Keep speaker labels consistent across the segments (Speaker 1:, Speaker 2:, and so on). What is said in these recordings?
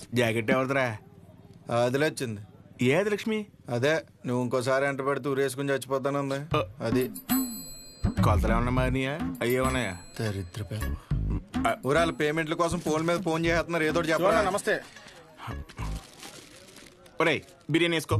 Speaker 1: Jacket ఎవరిదిరా?
Speaker 2: అదిలే వచ్చింది.
Speaker 1: ఏది లక్ష్మి?
Speaker 2: అదే నువ్వు ఇంకోసారి ఎంట పెడితే ఊరేసుకుని చచ్చిపోతానుంది. అది
Speaker 1: కొలతలు ఏమన్నా మారినాయా? అయ్యే ఉన్నాయా?
Speaker 2: దరిద్ర ఊరాల పేమెంట్ల కోసం ఫోన్ మీద ఫోన్ చేస్తున్నారు. ఏదో చెప్పాలి.
Speaker 3: నమస్తే.
Speaker 1: ఒరే బిర్యానీ వేసుకో.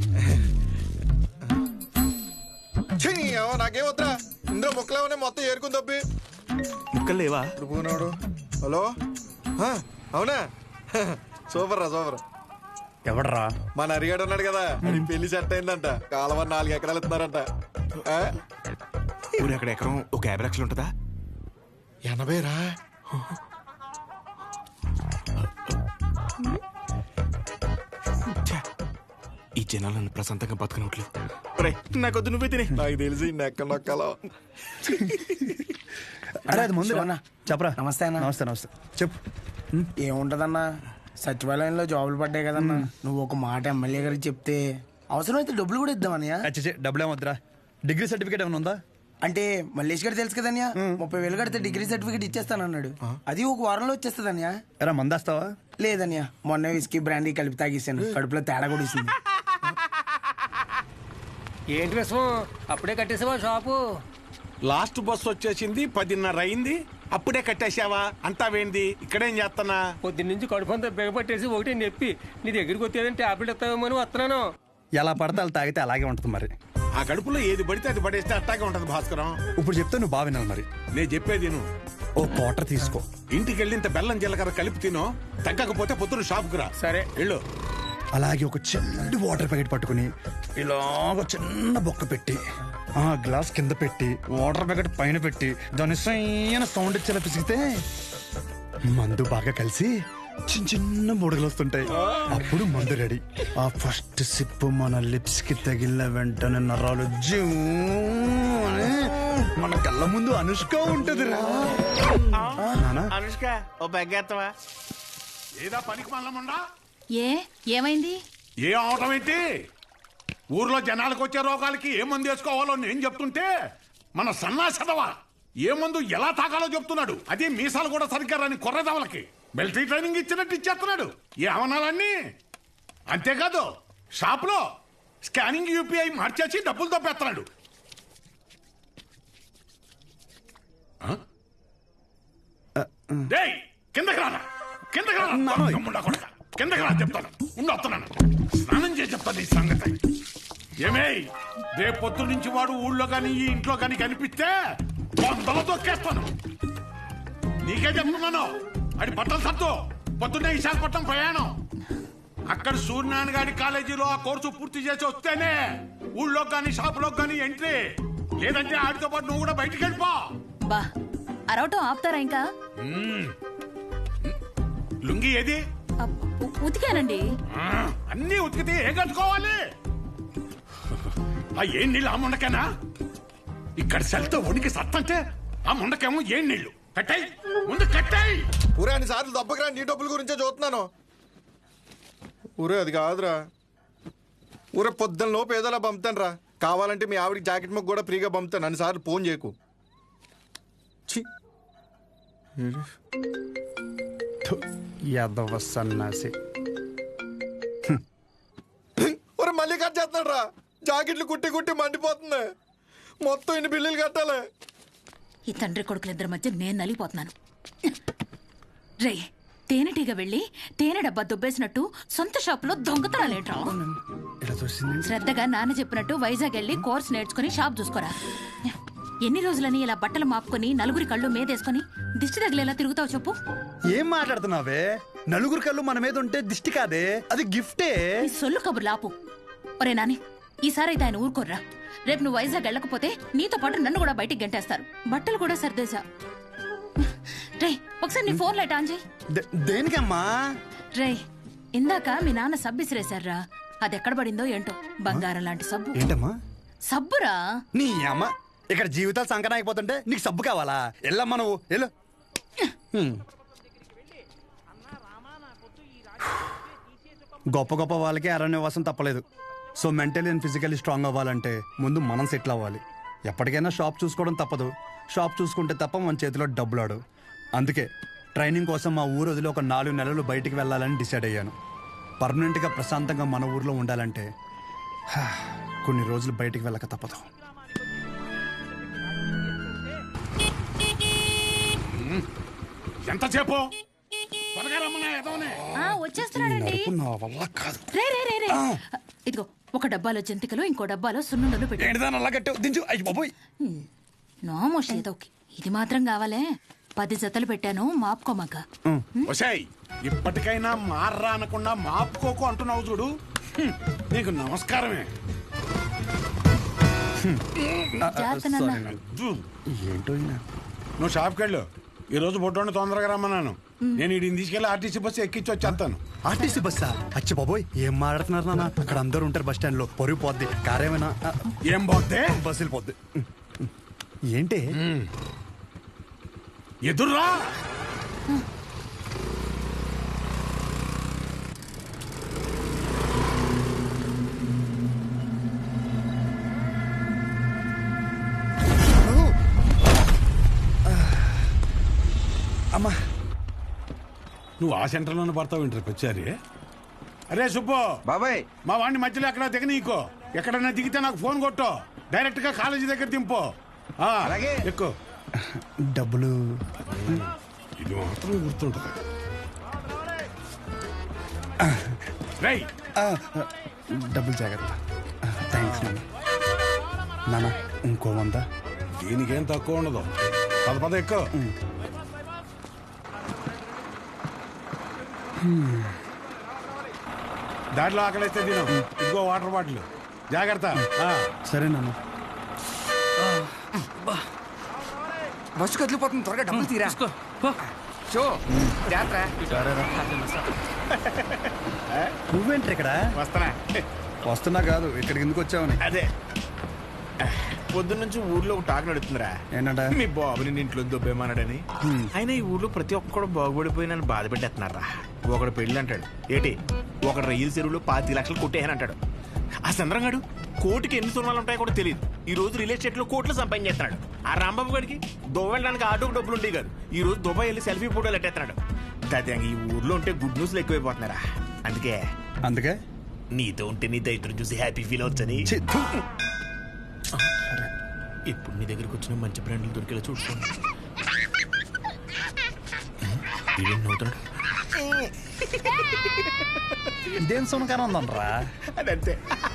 Speaker 2: నాకేం వద్దా, ఇందులో ముక్కలేమనే మొత్తం ఏరుకుని తప్పి.
Speaker 1: ముక్కలు లేవా?
Speaker 2: పోనాడు. హలో, అవునా? సూపర్ రా, సూపర్.
Speaker 3: ఎవడరా?
Speaker 2: మన అరిగాడు ఉన్నాడు కదా, పెళ్లి సెట్ అయిందంట. కాలువ 4 ఎకరాలు ఇస్తున్నారంట.
Speaker 1: ఊరు ఎక్కడ ఎకరం ఒక 50 లక్షలు ఉంటుందా?
Speaker 2: 80 రా.
Speaker 1: ఈ జనాలు నన్ను ప్రశాంతంగా బతకనట్లేదు. నాకొద్దు, నువ్వే తినే.
Speaker 2: నాకు తెలిసి నెక్క నొక్కలో.
Speaker 3: అరే అది ముందు చెప్పరా.
Speaker 4: నమస్తే అన్న.
Speaker 3: నమస్తే నమస్తే. చెప్పు.
Speaker 4: ఏముంటదన్నా, సచివాలయంలో జాబులు పడ్డాయి కదన్నా. నువ్వు ఒక మాట ఎమ్మెల్యే గారికి చెప్తే అవసరమైతే డబ్బులు కూడా ఇద్దామన్నయ్య.
Speaker 3: డబ్బులు ఏమొద్దురా. డిగ్రీ సర్టిఫికేట్ ఏమైనా ఉందా?
Speaker 4: అంటే మల్లేష్ గారు తెలుసు కదన్యా, 30,000 కడితే డిగ్రీ సర్టిఫికేట్ ఇచ్చేస్తానన్నాడు. అది ఒక వారంలో వచ్చేస్తుందన్యా.
Speaker 3: ఎరా మందేస్తావా?
Speaker 4: లేదన్యా, మొన్న విస్కీ బ్రాండీ కలిపి తాగేసాను. కడుపులో తేడా కూడా ఇస్తుంది.
Speaker 5: ఏంటి విషయం? అప్పుడే కట్టేసావా షాపు?
Speaker 1: లాస్ట్ బస్ వచ్చేసింది, 10:30 అయింది. అప్పుడే కట్టేసావా? అంతా వేంది? ఇక్కడేం చేస్తానా?
Speaker 5: పొద్దున్నుంచి కడుపు అంతా బిగపట్టేసి ఒకటే నొప్పి. నీ దగ్గరికి వచ్చేదని టాబ్లెట్ ఇస్తావేమో అని వస్తున్నాను.
Speaker 3: ఎలా పడితే అలా తాగితే అలాగే ఉంటుంది మరి.
Speaker 1: ఆ కడుపులో ఏది పడితే అది పడేస్తే అట్టాగే ఉంటది భాస్కరం.
Speaker 3: ఇప్పుడు చెప్తే నువ్వు బాగా వినాలి మరి.
Speaker 1: నేను చెప్పేది నువ్వు
Speaker 3: ఓ క్వార్టర్ తీసుకో.
Speaker 1: ఇంటికి వెళ్ళి ఇంత బెల్లం జీలకర్ర కలిపి తినో. తగ్గకపోతే పొద్దున షాపుకు రా.
Speaker 5: సరే
Speaker 1: వెళ్ళు.
Speaker 3: అలాగే ఒక చిన్న వాటర్ ప్యాకెట్ పట్టుకుని ఇలాగ చిన్న బొక్క పెట్టి ఆ గ్లాస్ కింద పెట్టి వాటర్ ప్యాకెట్ పైన పెట్టి దాని సైన సౌండ్ ఇచ్చేలా పిసిగితే మందు బాగా కలిసి చిన్న చిన్న బుడగలు వస్తుంటాయి. అప్పుడు మందు రెడీ. ఆ ఫస్ట్ సిప్ మన లిప్స్ కి తగిలిన వెంటనే నరాలు జూ అని మన కళ్ళ ముందు అనుష్క ఉంటదిరా.
Speaker 1: అనుష్క ఓ బెగ్గేత్తవా? ఏదా పనికి మల్లముండా?
Speaker 6: ఏమైంది?
Speaker 1: ఏ అవటం ఏంటి? ఊర్లో జనాలకు వచ్చే రోగాలకి ఏ మందు వేసుకోవాలో నేను చెప్తుంటే మన సన్నాసదవా ఏ మందు ఎలా తాగాలో చెప్తున్నాడు. అదే మీసాలు కూడా సరిగ్గా రాని కొర్రదవలకి మిలిటరీ ట్రైనింగ్ ఇచ్చినట్టు ఇచ్చేస్తున్నాడు. ఏ అవనాలన్నీ అంతేకాదు, షాప్ లో స్కానింగ్ యూపీఐ మార్చేసి డబ్బులు తప్పేస్తున్నాడు. కిందకి రానా, కిందకి రానా, కిందకి రా చెప్తాను. వస్తున్నాను, స్నానం చేసి చెప్తాను ఈ సంగతి. ఏమే రేపు పొద్దు నుంచి వాడు ఊళ్ళో గాని ఈ ఇంట్లో గాని కనిపిస్తే వందలు తొక్కేస్తాను. నీకే చెప్తున్నాను. అది బట్టలు సర్దు. పొద్దున్నే విశాఖపట్నం ప్రయాణం. అక్కడ సూర్యనారాయణ గారి కాలేజీలో ఆ కోర్సు పూర్తి చేసి వస్తేనే ఊళ్ళో గాని షాపులో గాని ఎంట్రీ. లేదంటే ఆడితో పాటు నువ్వు కూడా బయటికి వెళ్ళిపో.
Speaker 6: బా అరవటం ఆపుతారా ఇంకా?
Speaker 1: లుంగి ఏది?
Speaker 6: ఉతికానండి.
Speaker 1: అన్నీ ఉతికితే ఏం కట్టుకోవాలి? ఆ ఏం నీళ్ళు ఆ ముండకేనా? ఇక్కడ సెల్తో ఉనికి సత్తంటే ఆ ముండకేమో ఏం నీళ్లు? కట్టాయి ముందు కట్టాయి.
Speaker 2: ఊరే అన్ని సార్లు దెబ్బకి నీ డబ్బుల గురించే చూస్తున్నాను. ఊరే అది కాదురా. ఊరే పొద్దున్న లోపు ఏదోలా పంపుతాను రా. కావాలంటే మీ ఆవిడికి జాకెట్ ముక్క కూడా ఫ్రీగా పంపుతాను. అన్ని సార్లు ఫోన్ చేయకు.
Speaker 3: యాదవ సన్నాసి.
Speaker 2: ఒరే మళ్ళీ కట్ చేస్తున్నాడు రా. జాకెట్లు కుట్టి కుట్టి మండిపోతుంది. మొత్తం ఇన్ని బిల్లులు కట్టాలి.
Speaker 6: ఈ తండ్రి కొడుకులిద్దరి మధ్య నేను నలిగిపోతున్నాను. రే తేనెటీగ వెళ్ళి తేనె డబ్బా దుబ్బేసినట్టు సొంత షాపులో దొంగతనాలేంట్రా? శ్రద్ధగా నాన్న చెప్పినట్టు వైజాగ్ వెళ్ళి కోర్స్ నేర్చుకుని షాప్ చూసుకోరా. ఎన్ని రోజులని ఇలా బట్టలు మాపుకొని నలుగురి కళ్ళు మీదేసుకొని దిష్టి తగిలేలా తిరుగుతావు చెప్పు?
Speaker 3: ఏం మాట్లాడుతున్నావే? నలుగురు కళ్ళు మన మీద ఉంటే దిష్టి కాదే, అది గిఫ్టే.
Speaker 6: ఈ సొల్లు కబుర్లు ఆపు. ఒరే నాని, ఈసారి అయితే ఆయన ఊరుకోర్రా. రేపు నువ్వు వైజాగ్ వెళ్ళకపోతే నీతో పాటు నన్ను కూడా బయటికి గంటేస్తారు. బట్టలు కూడా సర్దేశా. రే ఒకసారి నీ ఫోన్ లైట్ ఆన్ చేయి.
Speaker 3: దేనికమ్మా?
Speaker 6: రే ఇందాక మీ నాన్న సబ్బు ఇసిరేశారా, అది ఎక్కడ పడిందో ఏంటో. బంగారం లాంటి సబ్బు.
Speaker 3: ఏంటమ్మా?
Speaker 6: సబ్బురా.
Speaker 3: నీ అమ్మ, ఇక్కడ జీవితాలు సంకటం అయిపోతుంటే నీకు సబ్బు కావాలా? వెళ్ళమ్మా నువ్వు వెళ్ళు. గొప్ప గొప్ప వాళ్ళకి అరణ్యవాసం తప్పలేదు. So mentally and physically strong అవ్వాలంటే ముందు మనం సెటిల్ అవ్వాలి. ఎప్పటికైనా షాప్ చూసుకోవడం తప్పదు. షాప్ చూసుకుంటే తప్ప మన చేతిలో డబ్బులు ఆడు. అందుకే ట్రైనింగ్ కోసం మా ఊరు వదిలి ఒక 4 నెలలు బయటికి వెళ్ళాలని డిసైడ్ అయ్యాను. పర్మనెంట్గా ప్రశాంతంగా మన ఊర్లో ఉండాలంటే కొన్ని రోజులు బయటికి వెళ్ళక తప్పదు.
Speaker 1: ఎంతసేపు త్వరగా రమ్మన్నా ఎదవనే.
Speaker 6: వచ్చేస్తున్నాడండి.
Speaker 3: నా వల్ల కాదు.
Speaker 6: రే రే రే రే ఇదిగో ఒక డబ్బాలో జంతికలు ఇంకో డబ్బాలో సున్నుండలు పెట్టు.
Speaker 3: ఏంటిదాని అలా కట్టావు? దించు. అయ్యి బాబోయ్.
Speaker 6: నోమోష్ ఏదోకి ఇది మాత్రం కావాలే. 10 జతలు పెట్టాను మాపుకోమాక.
Speaker 1: ఒసేయ్ ఇప్పటికైనా మార్రా అనకుండా మాపుకోకు అంటున్నావు చూడు. నీకు నమస్కారమే.
Speaker 3: ఏంటో ఈయన.
Speaker 1: నువ్వు షాప్కి వెళ్ళు. ఈ రోజు బొట్టోని తొందరగా రమ్మన్నాను. నేను వీడిని తీసుకెళ్లి ఆర్టీసీ బస్సు ఎక్కించి వచ్చేస్తాను.
Speaker 3: ఆర్టీసీ బస్సా? అచ్చి బాబోయ్, ఏం మాట్లాడుతున్నారు నాన్న? అక్కడ అందరూ ఉంటారు బస్ స్టాండ్ లో. పొరుగు పోద్ది. కారేమైనా
Speaker 1: ఏం పోతే
Speaker 3: బస్సు వెళ్ళిపోద్ది. ఏంటి
Speaker 1: ఎదుర్రా.
Speaker 3: అమ్మా,
Speaker 1: నువ్వు ఆ సెంటర్లోనే పడతావు ఇంటర్ వచ్చారి. అరే సుబ్బు
Speaker 7: బాబాయ్,
Speaker 1: మా వాడిని మధ్యలో ఎక్కడ దిగ నీకో. ఎక్కడన్నా దిగితే నాకు ఫోన్ కొట్టు. డైరెక్ట్ గా కాలేజీ దగ్గర దింపు.
Speaker 7: అలాగే.
Speaker 1: ఎక్కువ
Speaker 3: డబ్బులు
Speaker 1: ఇది మాత్రం గుర్తుంటుంది. రేయ్
Speaker 3: డబ్బులు జాగ్రత్త. థ్యాంక్స్ నాన్న. నాన్న ఇంకో 100.
Speaker 1: దీనికేం తక్కువ ఉండదు. పద ఎక్కువ. దాంట్లో ఆకలిస్తే తిను. ఇదిగో వాటర్ బాటిల్. జాగ్రత్త.
Speaker 3: సరే నాన్న.
Speaker 7: బస్సు కదిలిపోతుంది, త్వరగా డబ్బులు తీరా. షో
Speaker 3: నువ్వేంటి ఇక్కడ?
Speaker 1: వస్తానా?
Speaker 3: వస్తున్నా కాదు, ఇక్కడికి ఎందుకు వచ్చావని.
Speaker 2: అదే పొద్దున్నుంచి ఊర్లో ఒక టాక్ నడుతుందిరా.
Speaker 3: ఏంటంట?
Speaker 2: మీ బాబుని నీ ఇంట్లో దొబ్బేమన్నాడని. ఆయన ఈ ఊర్లో ప్రతి ఒక్కడు బాగుపడిపోయి నన్ను బాధ పెట్టేస్తున్నారా. ఒకడు పెళ్ళి అంటాడు ఏటి, ఒకడు రైలు చెరువులో 25 లక్షలు కొట్టేయని అంటాడు. ఆ చంద్రంగాడు కోటికి ఎన్ని సున్నాలు ఉంటాయో కూడా తెలియదు. ఈ రోజు రియల్ ఎస్టేట్ లో కోట్లు సంపాదించేస్తున్నాడు. ఆ రాంబాబు గారికి దుబాయ్ వెళ్ళడానికి ఆటోకి డబ్బులు ఉండేవి కాదు. ఈ రోజు దుబాయ్ వెళ్ళి సెల్ఫీ ఫోటోలు ఎట్టేస్తున్నాడు. దాదాపు ఈ ఊర్లో ఉంటే గుడ్ న్యూస్లు ఎక్కువైపోతున్నారా. అందుకే నీతో ఉంటే నీ దైత్రం చూసి హ్యాపీ ఫీల్ అవచ్చని. ఇప్పుడు నీ దగ్గరికి వచ్చిన మంచి బ్రాండ్లు దొరికేలా చూసుకోండి.
Speaker 3: ఇదేం సునకారం ఉందనరా?
Speaker 2: అదంతే.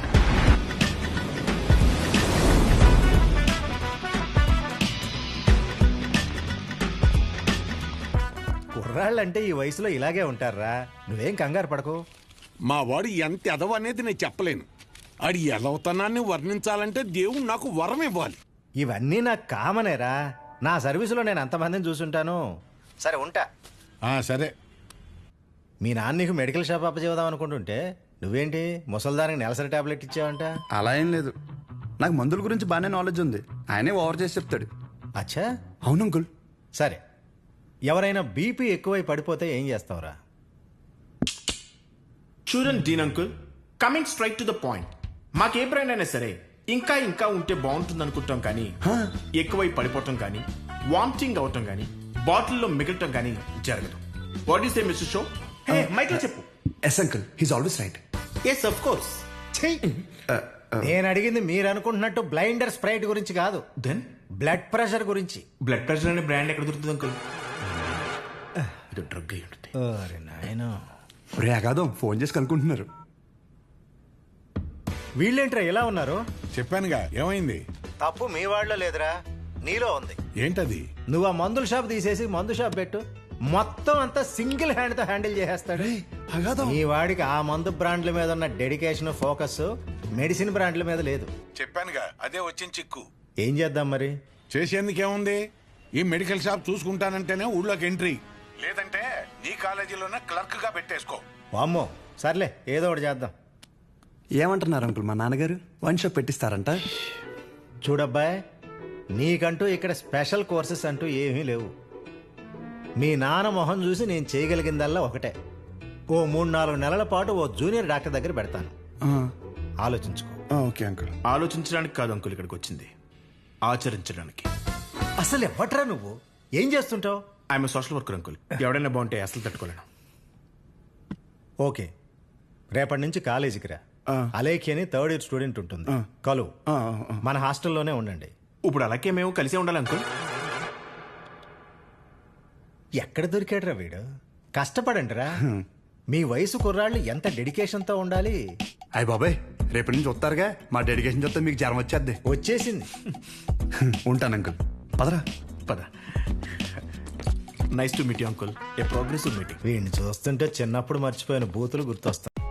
Speaker 8: కుర్రాళ్ళంటే ఈ వయసులో ఇలాగే ఉంటారా. నువ్వేం కంగారు పడకు.
Speaker 1: మా వాడు ఎంత ఎదవ అనేది నేను చెప్పలేను. ఆడి ఎదవతనాన్ని వర్ణించాలంటే దేవుడు నాకు వరం ఇవ్వాలి.
Speaker 8: ఇవన్నీ నాకు కామనేరా. నా సర్వీసులో నేను అంతమందిని చూసుంటాను. సరే ఉంటా.
Speaker 1: సరే.
Speaker 8: మీ నాన్న నీకు మెడికల్ షాప్ అప్పచేద్దాం అనుకుంటుంటే నువ్వేంటి ముసల్దానికి నెలసరి టాబ్లెట్ ఇచ్చావంట?
Speaker 3: అలా ఏం లేదు. నాకు మందుల గురించి బాగానే నాలెడ్జ్ ఉంది. ఆయనే ఓవర్ చేసి చెప్తాడు.
Speaker 8: అచ్చా,
Speaker 3: అవును అంకుల్.
Speaker 8: సరే, ఎవరైనా బీపీ ఎక్కువై పడిపోతే ఏం చేస్తావురా?
Speaker 2: చూడండి Dean uncle, coming straight to the point. మాకే బ్రాండ్ అయినా సరే ఇంకా ఇంకా ఉంటే బాగుంటుంది అనుకుంటాం, కానీ ఎక్కువై పడిపోవటం కానీ వామిటింగ్ అవటం కానీ బాటిల్లో మిగలటం కానీ జరగదు. What is a mister show? మైక్లో చెప్పు.
Speaker 3: Yes uncle, he's always right.
Speaker 2: Yes of course.
Speaker 8: నేను అడిగింది మీరు అనుకుంటున్నట్టు బ్లైండర్ స్ప్రైట్ గురించి కాదు,
Speaker 2: దెన్
Speaker 8: బ్లడ్ ప్రెషర్ గురించి.
Speaker 2: బ్లడ్ ప్రెషర్ అనే బ్రాండ్ ఎక్కడ దొరుకుతుంది అంకుల్? ఇది డ్రగ్ అయి ఉంటుంది.
Speaker 8: అరే నాయనా,
Speaker 3: రే అగాదం ఫోన్ చేసి కనుక్కుంటున్నారు.
Speaker 8: వీళ్ళేంట్రా ఇలా ఉన్నారు?
Speaker 1: చెప్పానుగా ఏమైంది.
Speaker 8: తప్పు మీ వాళ్ళలో లేదురా, నీలో ఉంది.
Speaker 1: ఏంటది?
Speaker 8: నువ్వు ఆ మందుల షాప్ తీసేసి మందు షాప్ పెట్టు, మొత్తం అంతా సింగిల్ హ్యాండ్ తో హ్యాండిల్ చేసేస్తాడు. ఈ వాడికి ఆ మందు బ్రాండ్ల మీద ఉన్న డెడికేషన్, ఫోకస్ మెడిసిన్ బ్రాండ్ల మీద లేదు.
Speaker 1: చెప్పానుగా అదే వచ్చిన చిక్కు.
Speaker 8: ఏం చేద్దాం మరి?
Speaker 1: చేసేందుకేముంది, ఈ మెడికల్ షాప్ చూసుకుంటానంటేనే ఊళ్ళోకి ఎంట్రీ, లేదంటే నీ కాలేజీలోనే క్లర్క్ గా పెట్టేసుకో.
Speaker 8: వామ్మో, సర్లే ఏదో ఒకటి చేద్దాం.
Speaker 3: ఏమంటున్నారు అంకుల్? మా నాన్నగారు వన్ షాప్ పెట్టిస్తారంట.
Speaker 8: చూడబ్బాయ్, నీకంటూ ఇక్కడ స్పెషల్ కోర్సెస్ అంటూ ఏమీ లేవు. మీ నాన్న మొహం చూసి నేను చేయగలిగిందల్లా ఒకటే, ఓ 3-4 నెలల పాటు ఓ జూనియర్ డాక్టర్ దగ్గర పెడతాను. ఆలోచించుకో.
Speaker 3: Okay uncle.
Speaker 2: ఆలోచించడానికి కాదు అంకుల్ ఇక్కడికి వచ్చింది, ఆచరించడానికి.
Speaker 8: అసలు ఎవట్రా నువ్వు? ఏం చేస్తుంటావు?
Speaker 2: I'm social worker uncle. ఎవడైనా బాగుంటే అసలు తట్టుకోలేను.
Speaker 8: ఓకే, రేపటి నుంచి కాలేజీకి రా. అలేఖి అని థర్డ్ ఇయర్ స్టూడెంట్ ఉంటుంది, కలు. మన హాస్టల్లోనే ఉండండి.
Speaker 9: ఇప్పుడు అలాగే మేము కలిసే ఉండాలి అంకుల్.
Speaker 8: ఎక్కడ దొరికాడురా వీడు? కష్టపడండిరా. మీ వయసు కుర్రాళ్ళు ఎంత డెడికేషన్తో ఉండాలి.
Speaker 9: అయ్య బాబాయ్, రేపటి నుంచి వస్తారుగా, మా డెడికేషన్ చూస్తే మీకు జ్వరం వచ్చేద్ది.
Speaker 8: వచ్చేసింది.
Speaker 3: ఉంటాను అంకుల్. పదరా.
Speaker 9: పద. Nice to meet you uncle. A progressive meeting.
Speaker 8: వీడిని చూస్తుంటే చిన్నప్పుడు మర్చిపోయిన బూతులు గుర్తొస్తాయి.